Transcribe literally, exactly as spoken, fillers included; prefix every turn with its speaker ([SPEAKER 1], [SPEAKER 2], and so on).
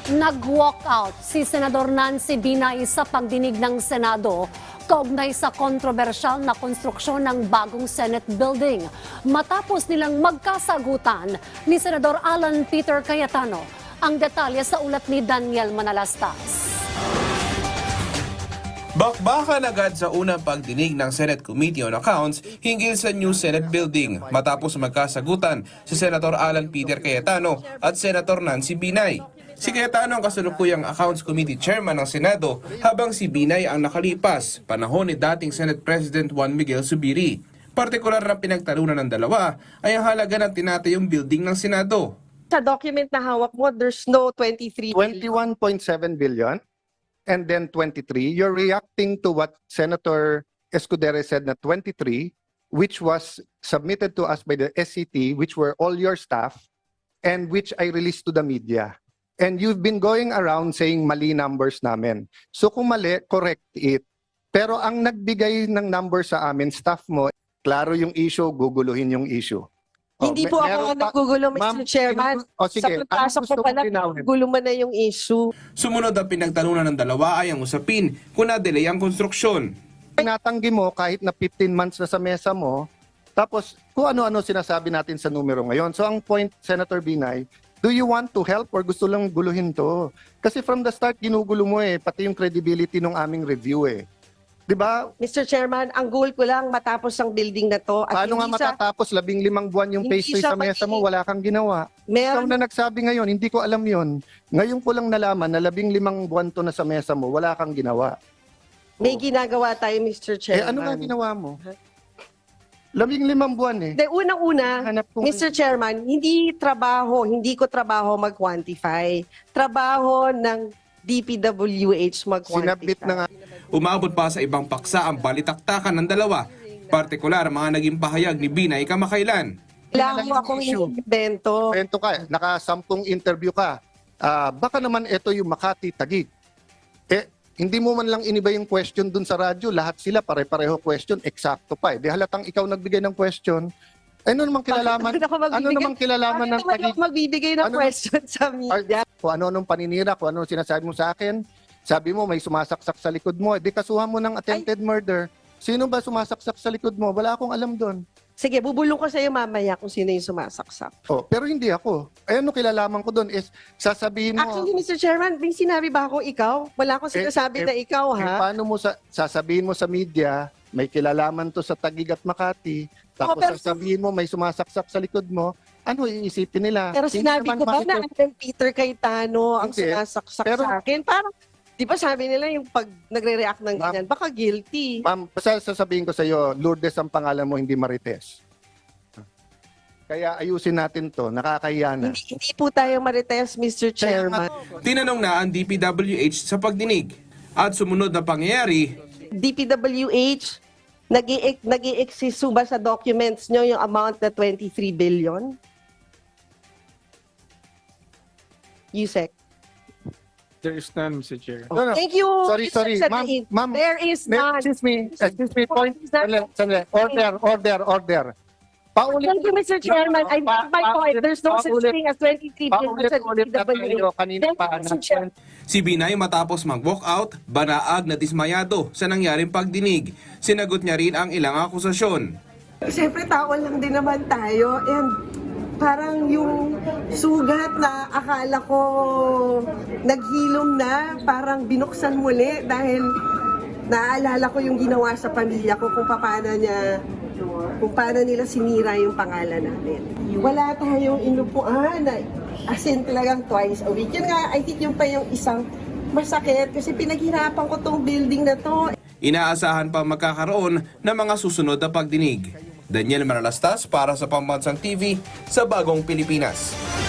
[SPEAKER 1] Nag-walkout si Senador Nancy Binay sa pagdinig ng Senado kaugnay sa kontrobersyal na konstruksyon ng bagong Senate building. Matapos nilang magkasagutan ni Senador Alan Peter Cayetano. Ang detalye sa ulat ni Daniel Manalastas.
[SPEAKER 2] Bakbakan agad sa unang pagdinig ng Senate Committee on Accounts hinggil sa new Senate building matapos magkasagutan si Senator Alan Peter Cayetano at Senator Nancy Binay. Si Cayetano ang kasalukuyang Accounts Committee Chairman ng Senado habang si Binay ang nakalipas, panahon ni dating Senate President Juan Miguel Zubiri. Partikular na pinagtalunan ng dalawa ay ang halaga ng tinatayong building ng Senado.
[SPEAKER 3] Sa document na hawak mo, there's no twenty-three billion.
[SPEAKER 4] twenty-one point seven billion and then twenty-three. You're reacting to what Senator Escudero said na twenty-three, which was submitted to us by the S C T, which were all your staff, and which I released to the media. And you've been going around saying mali numbers namin. So kung mali, correct it. Pero ang nagbigay ng number sa amin, staff mo, klaro yung issue, guguluhin yung issue. Oh,
[SPEAKER 3] Hindi
[SPEAKER 4] me-
[SPEAKER 3] po ako
[SPEAKER 4] meron
[SPEAKER 3] ang
[SPEAKER 4] pa-
[SPEAKER 3] naggugulo,
[SPEAKER 4] Ma'am,
[SPEAKER 3] Mister Chairman.
[SPEAKER 4] O sige,
[SPEAKER 3] Sa pagpasok
[SPEAKER 4] ano
[SPEAKER 3] ko
[SPEAKER 4] gusto
[SPEAKER 3] pala,
[SPEAKER 4] mong linawin?
[SPEAKER 3] gulo mo na yung issue.
[SPEAKER 2] Sumunod ang pinagtalunan ng dalawa ay ang usapin kung na-delay ang konstruksyon.
[SPEAKER 4] Tinatanggi mo kahit na fifteen months na sa mesa mo, tapos kung ano-ano sinasabi natin sa numero ngayon. So ang point, Senator Binay, do you want to help or gusto lang guluhin to? Kasi from the start, ginugulo mo eh, pati yung credibility ng aming review eh. Di ba?
[SPEAKER 3] Mister Chairman, ang goal ko lang matapos ang building na to. At
[SPEAKER 4] Paano nga
[SPEAKER 3] hindi sa,
[SPEAKER 4] matatapos labing limang buwan yung
[SPEAKER 3] hindi
[SPEAKER 4] pastry
[SPEAKER 3] sa
[SPEAKER 4] sa mesa mo,
[SPEAKER 3] pati-
[SPEAKER 4] wala kang ginawa. Ikaw
[SPEAKER 3] meron,
[SPEAKER 4] na nagsabi ngayon, hindi ko alam yon. Ngayon ko lang nalaman na labing limang buwan to na sa mesa mo, wala kang ginawa.
[SPEAKER 3] may ginagawa tayo, Mister
[SPEAKER 4] Eh
[SPEAKER 3] Chairman.
[SPEAKER 4] ano nga ginawa mo? Labing limang buwan eh.
[SPEAKER 3] De, unang-una,
[SPEAKER 4] Hanap ko-
[SPEAKER 3] Mister Chairman, hindi trabaho, hindi ko trabaho mag-quantify. Trabaho ng D P W H mag-quantify.
[SPEAKER 4] Sinabit na nga.
[SPEAKER 2] Umabot pa sa ibang paksa ang balitaktakan ng dalawa, partikular mga naging pahayag ni Binay kamakailan.
[SPEAKER 3] Kailangan mo akong
[SPEAKER 4] Issue.
[SPEAKER 3] invento.
[SPEAKER 4] Kwento ka, nakasampung interview ka. Ah, baka naman ito yung Makati Taguig. Eh, hindi mo man lang iniba yung question dun sa radyo. Lahat sila pare-pareho question, eksakto pa eh. Di halatang ikaw nagbigay ng question. Ano namang kilalaman?
[SPEAKER 3] Bakit ako magbibigay-
[SPEAKER 4] Ano namang kilalaman ng
[SPEAKER 3] Bakit naman
[SPEAKER 4] Taguig?
[SPEAKER 3] ako magbibigay ng
[SPEAKER 4] Ano-
[SPEAKER 3] question sa media?
[SPEAKER 4] Kung ano-anong paninira, kung ano sinasabi mo sa akin, sabi mo may sumasaksak sa likod mo, eh, di kasuhan mo ng attempted murder. Sino ba sumasaksak sa likod mo? Wala akong alam doon.
[SPEAKER 3] Sige, bubulong ko sa iyo mamaya kung sino yung sumasaksak.
[SPEAKER 4] Oh, pero hindi ako. Eh, ano kilalaman ko doon is sasabihin mo.
[SPEAKER 3] Actually, Mister Chairman, may sinabi ba ako ikaw? Wala akong
[SPEAKER 4] Eh,
[SPEAKER 3] sinasabi
[SPEAKER 4] eh,
[SPEAKER 3] na ikaw,
[SPEAKER 4] Eh,
[SPEAKER 3] ha?
[SPEAKER 4] paano mo sa, sasabihin mo sa media, may kilalaman to sa Taguig at Makati, tapos
[SPEAKER 3] Oh, pero-
[SPEAKER 4] sasabihin mo may sumasaksak sa likod mo, ano iisipin nila?
[SPEAKER 3] Pero
[SPEAKER 4] Hindi
[SPEAKER 3] sinabi
[SPEAKER 4] naman
[SPEAKER 3] ko ba na
[SPEAKER 4] makikita-
[SPEAKER 3] Alan Peter Cayetano ang
[SPEAKER 4] Hindi.
[SPEAKER 3] sumasaksak
[SPEAKER 4] Pero-
[SPEAKER 3] sa akin? Parang, di ba sabi nila yung pag nagre-react ng
[SPEAKER 4] Ma'am-
[SPEAKER 3] ganyan, baka guilty.
[SPEAKER 4] Ma'am, basta sasabihin ko sa iyo, Lourdes ang pangalan mo, hindi Marites. Kaya ayusin natin to, nakakahiya na.
[SPEAKER 3] Hindi, hindi po tayo marites, Mister Chairman.
[SPEAKER 2] Tinanong na ang D P W H sa pagdinig. At sumunod na pangyayari,
[SPEAKER 3] D P W H, nag-i-exist ba sa documents nyo yung amount na twenty-three billion? Yusek.
[SPEAKER 5] There is none, Mister Chair.
[SPEAKER 4] No, no.
[SPEAKER 3] Thank you.
[SPEAKER 4] Sorry,
[SPEAKER 3] Mister
[SPEAKER 4] sorry. Ma'am,
[SPEAKER 3] Sadain.
[SPEAKER 4] ma'am,
[SPEAKER 3] There is
[SPEAKER 4] May-
[SPEAKER 3] none.
[SPEAKER 4] Excuse me, excuse me, point.
[SPEAKER 3] Is that-
[SPEAKER 4] Sandali, sandali. Order, order, order. Paulit,
[SPEAKER 3] Thank you, Mister Chairman. I
[SPEAKER 4] Pa-
[SPEAKER 3] make my
[SPEAKER 4] pa-
[SPEAKER 3] point. There's no such
[SPEAKER 4] paulit-
[SPEAKER 3] thing as twenty-three billion sa
[SPEAKER 4] paulit-ulit na tayo
[SPEAKER 3] D P W H.
[SPEAKER 4] kanina
[SPEAKER 3] Thank
[SPEAKER 4] pa.
[SPEAKER 3] you, Mister Chairman.
[SPEAKER 2] si Binay matapos mag-walk out, banaag na dismayado sa nangyaring pagdinig. Sinagot niya rin ang ilang akusasyon.
[SPEAKER 3] Siyempre, tao lang din naman tayo. And parang yung sugat na akala ko naghilom na, parang binuksan muli dahil naalala ko yung ginawa sa pamilya ko kung paano niya, kung paano nila sinira yung pangalan namin. Wala tayong inupuan na as in talagang twice a week. Yun nga, I think yung pa yung isang masakit kasi pinaghirapan ko tong building na to.
[SPEAKER 2] Inaasahan pa magkakaroon ng mga susunod na pagdinig. Daniel Manalastas para sa Pambansang T V sa Bagong Pilipinas.